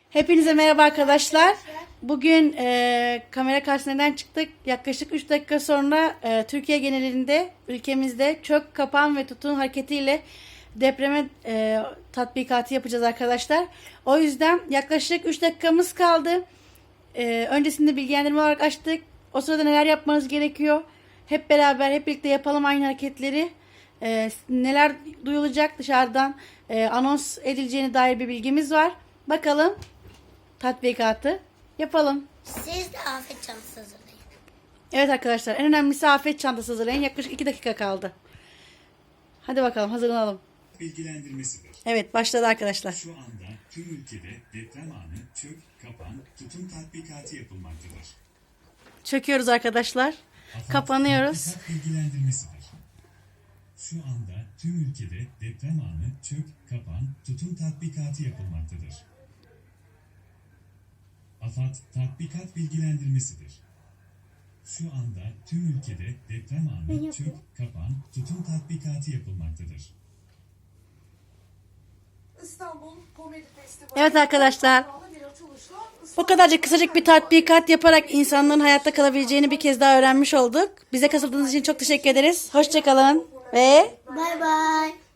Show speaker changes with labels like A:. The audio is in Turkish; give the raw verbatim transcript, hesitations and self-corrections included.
A: Hepinize merhaba arkadaşlar. Bugün e, kamera karşısına neden çıktık? Yaklaşık üç dakika sonra e, Türkiye genelinde, ülkemizde çök, kapan ve tutun hareketiyle depreme e, tatbikatı yapacağız arkadaşlar. O yüzden yaklaşık üç dakikamız kaldı. E, öncesinde bilgilendirme olarak açtık. O sırada neler yapmanız gerekiyor? Hep beraber, hep birlikte yapalım aynı hareketleri. E, neler duyulacak dışarıdan e, anons edileceğine dair bir bilgimiz var. Bakalım. Tatbikatı yapalım.
B: Siz de afet çantası hazırlayın.
A: Evet arkadaşlar, en önemlisi afet çantası hazırlayın. Yaklaşık iki dakika kaldı. Hadi bakalım, hazırlanalım.
C: Bilgilendirmesidir.
A: Evet, başladı arkadaşlar.
C: Şu anda tüm ülkede deprem anı çök, kapan, tutun tatbikatı yapılmaktadır.
A: Çöküyoruz arkadaşlar. Kapanıyoruz.
C: Tatbikat bilgilendirmesidir. Şu anda tüm ülkede deprem anı çök, kapan, tutun tatbikatı yapılmaktadır. AFAD tatbikat bilgilendirmesidir. Şu anda tüm ülkede deprem anı çök, kapan, tutun tatbikatı yapılmaktadır.
D: İstanbul Komedi Festivali.
A: Evet arkadaşlar. Bu kadarcık kısacık bir tatbikat yaparak insanların hayatta kalabileceğini bir kez daha öğrenmiş olduk. Bize katıldığınız için çok teşekkür ederiz. Hoşçakalın ve
B: Bay bay.